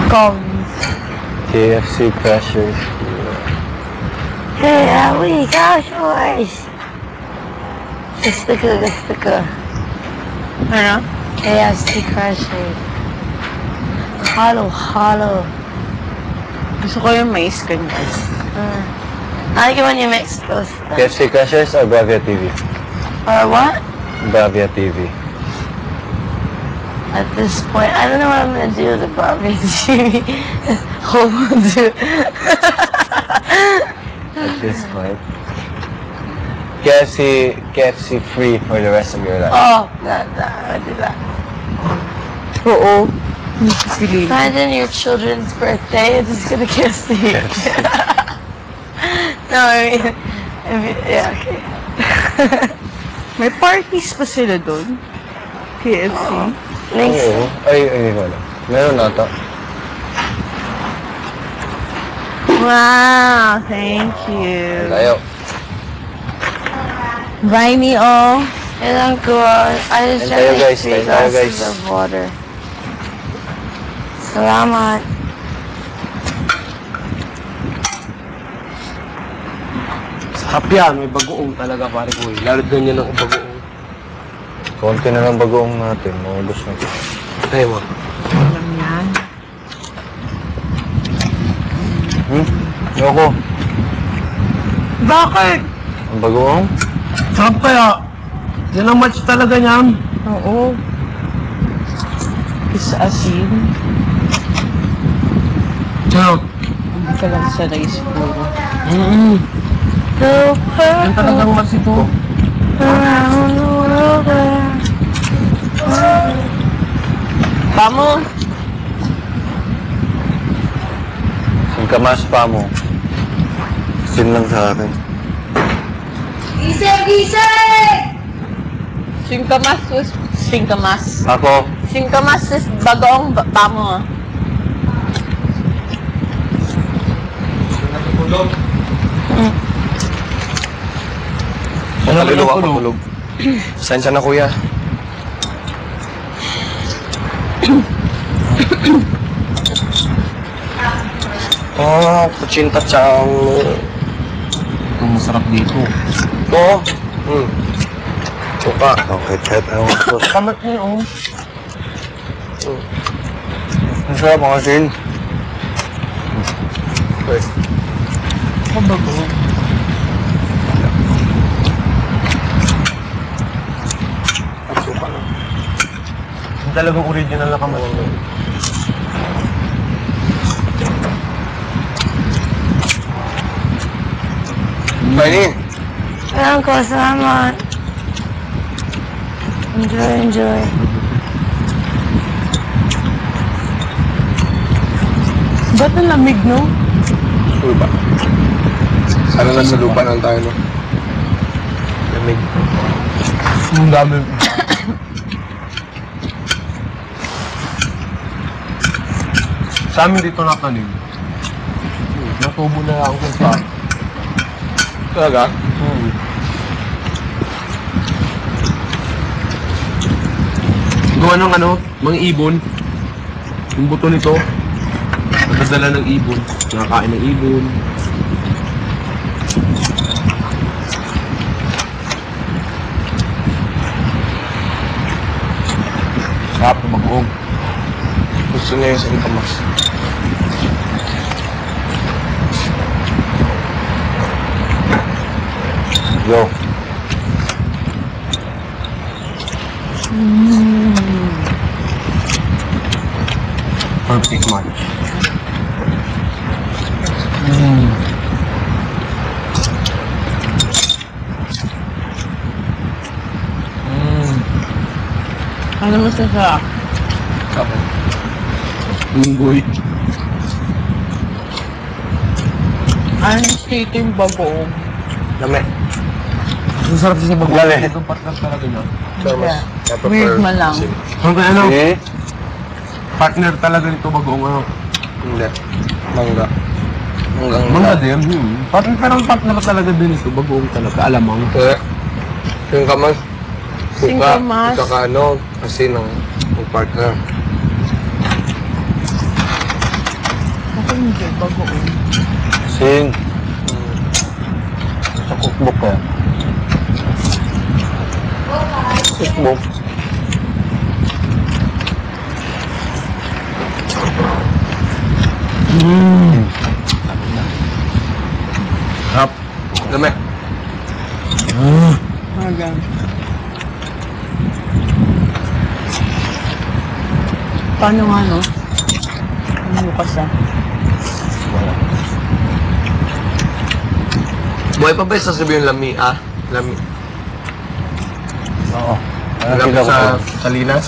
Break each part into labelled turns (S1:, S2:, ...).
S1: Cones.
S2: KFC Crushers.
S3: Kaya we got yours. Gusto ko.
S1: Ano?
S3: KFC Crushers. Halo.
S1: Gusto ko yung mais kanyan.
S3: I like it when you mix those.
S2: KFC Crushers or Bravia TV?
S3: Or what?
S2: Bravia TV.
S3: At this point, I don't know what I'm gonna do with the Barbie TV. Hold on to.
S2: At this point. KFC free for the rest of your life.
S3: Oh, I do that.
S1: Oo. Silly.
S3: Imagine your children's birthday, it's just gonna kiss you. No, I mean, yeah, okay.
S1: May parties pa sila doon. KFC.
S3: Next.
S2: Oo. Ay, hindi ko alam. Meron nata.
S1: Wow, thank you.
S2: Tayo.
S1: Buy me all.
S3: And I'm cool. I just
S2: Tayo,
S3: drank
S2: guys.
S3: 3
S2: Tayo,
S3: glasses
S2: guys.
S3: of water. Salamat.
S4: Sarap yan, may bagoong talaga pare ko. Lalo ganyan ang bagoong.
S2: Konti na lang bagoong natin. Maubos na.
S4: Tayo mo.
S1: Alam yan.
S2: Ayoko.
S4: Bakit?
S2: Ang bagoong?
S4: Sarap kaya. Yan ang match talaga niyan.
S1: Oo. Isa asin.
S4: Sarap.
S1: Hindi ka lang sanay siguro.
S3: So
S4: Yan talagang match ito.
S3: around the world.
S1: Pamo.
S2: Singkamas pa mo. Sin lang sa akin.
S1: Singkamas.
S2: Ako,
S1: Singkamas is bagoong pamo.
S4: Kaluluwa ko tulog. Sensya na kuya. Kuchinta tsang... Ang masarap dito. Oo. Suka.
S2: okay, kahit ayaw ko.
S4: Kamat niyo,
S2: Ang sarap mga sin.
S4: Ang bagoong. Suka lang. Yung talagang original na kamat.
S2: Pwede.
S3: Alam ko, salamat. Enjoy.
S1: Ba't ang lamig, no?
S4: Lupa. Sana nasa lupa lang tayo, no? Lamig. Ang dami. Sa amin dito nakanig. Natubo na ako sa... Talaga? Gawa ng ano, mga ibon. Yung buto nito, nagdala ng ibon. Nakakain ng ibon. Sarap na mag-uog. Gusto niya yung singkamas.
S2: Yo.
S4: Perfect match.
S1: Ano mo sa
S4: Kapag. Lunggoy.
S1: Ano state yung bagoong?
S4: Lame. Ang sarap siya sa
S2: Lame.
S4: Itong partner talaga niya.
S1: Yeah. Weird man lang.
S4: Hanggang ano?
S2: Eh?
S4: Partner talaga nito bagoong ano?
S2: Hindi. Mangga.
S4: Mga din. Partner, parang partner talaga din ito. Bagoong talaga. Alamang.
S2: Singkamas.
S1: Singkamas.
S2: Saka ano, kasi ng partner.
S1: Hindi, bagoong.
S2: Sing. Sa cookbook ko. Cookbook.
S4: Hap. Dami.
S1: Hanggang. Paano nga, no? Ang bukas, ah.
S4: Buhay pa ba yung sasabihin lami, ah? Lami.
S2: Oo.
S4: Lami
S2: Nakita ko
S4: sa
S2: pa.
S4: Salinas?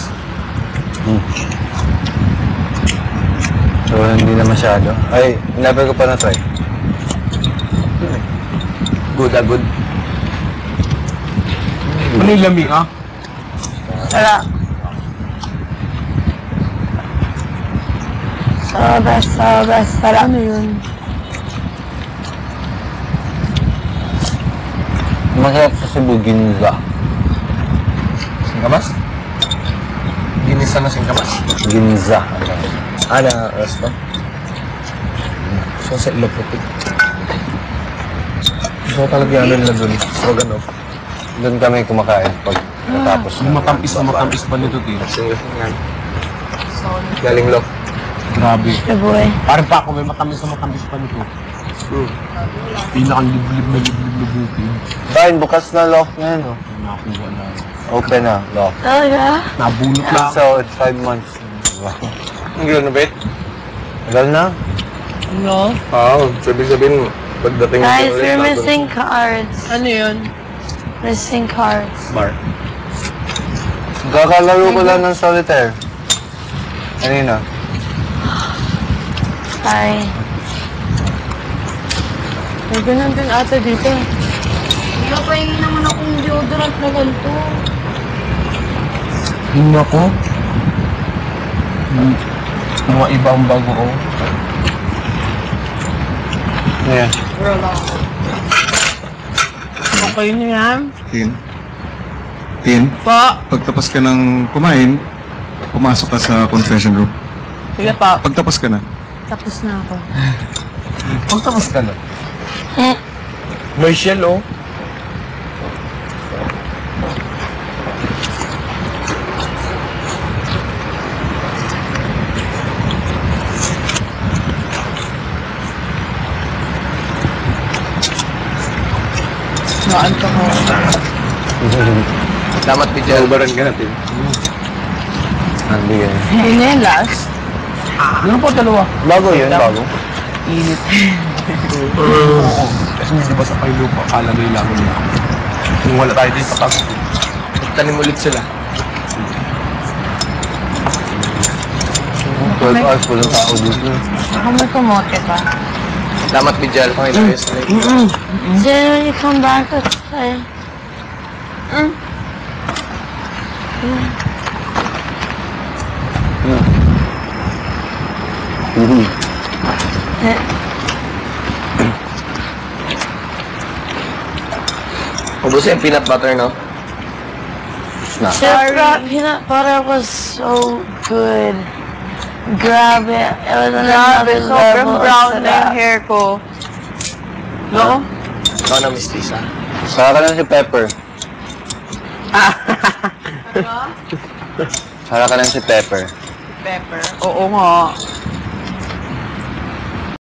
S2: So, hindi na masyado. Ay, never ko pa na-try.
S4: Good, ah, good. Ano yung lami, ah?
S3: Sarap. Sobra, sarap.
S1: Ano yun?
S2: Masarap sa Cebu, ginza.
S4: Singkamas? Ginisa na singkamas.
S2: Ginza.
S4: Na resto? So, sa Iloputi. So, talaga yan nila dun. Stroganoff.
S2: Doon kami kumakain pag natapos
S4: Yung matamis pa nito, Tino. Sige, yan. Galing lo. Grabe.
S3: The boy.
S4: Parang pa ako, may matamis pa nito. Pinakang liblib na bukid.
S2: Kain, bukas na lock na yun. Oh.
S4: Nakakuha na.
S2: Open na, lock.
S3: Talaga?
S4: Nabunot na ako.
S2: So, it's 5 months. Diba?
S4: Ang gano'n na, Bet?
S2: Tagal na.
S1: No?
S4: Oo, sabihin pagdating
S3: Guys, we're missing cards.
S1: Ano yun?
S3: Missing cards.
S4: Bar.
S2: Kakalaro ko lang ng solitaire. Kanina.
S3: Sorry.
S1: May ganun din ata dito.
S3: Napahingi naman akong deodorant na ganito.
S4: Hindi ako. Mga ibang bago ko.
S2: Yeah.
S1: Okay na yan?
S5: Tin,
S1: Pa!
S5: pagtapos ka ng kumain, pumasok ka sa confession room.
S1: Sige pa.
S5: Pagtapos ka na,
S1: Tapos na ako.
S4: Pagtapos ka na. May shell, oh.
S1: Naanto ko.
S4: Damat bigyan. Ubaran ka natin.
S2: Hindi yan.
S1: Hindi na yung last.
S4: Ano po dalawa?
S2: Bago yun, bago.
S1: Init.
S4: Oo. Kasi di ba sa Pailupa, kalagay lang nila. Kung wala tayo dito sa taas, tanim ulit sila.
S2: 12 hours walang tao dito.
S1: Ako may kumote pa.
S4: Damat bigyan. Panginoon sa
S3: Then when you come back, let's play.
S4: Ubusin yung peanut butter, no?
S3: The peanut butter was so good. Grab it. It was another
S1: Grabe, sobrang
S3: level.
S1: brown na yung hair ko. No?
S4: Ikaw na, Miss Lisa.
S2: Saka ka lang si Pepper. Saka ka lang si Pepper.
S1: Pepper. Oo nga.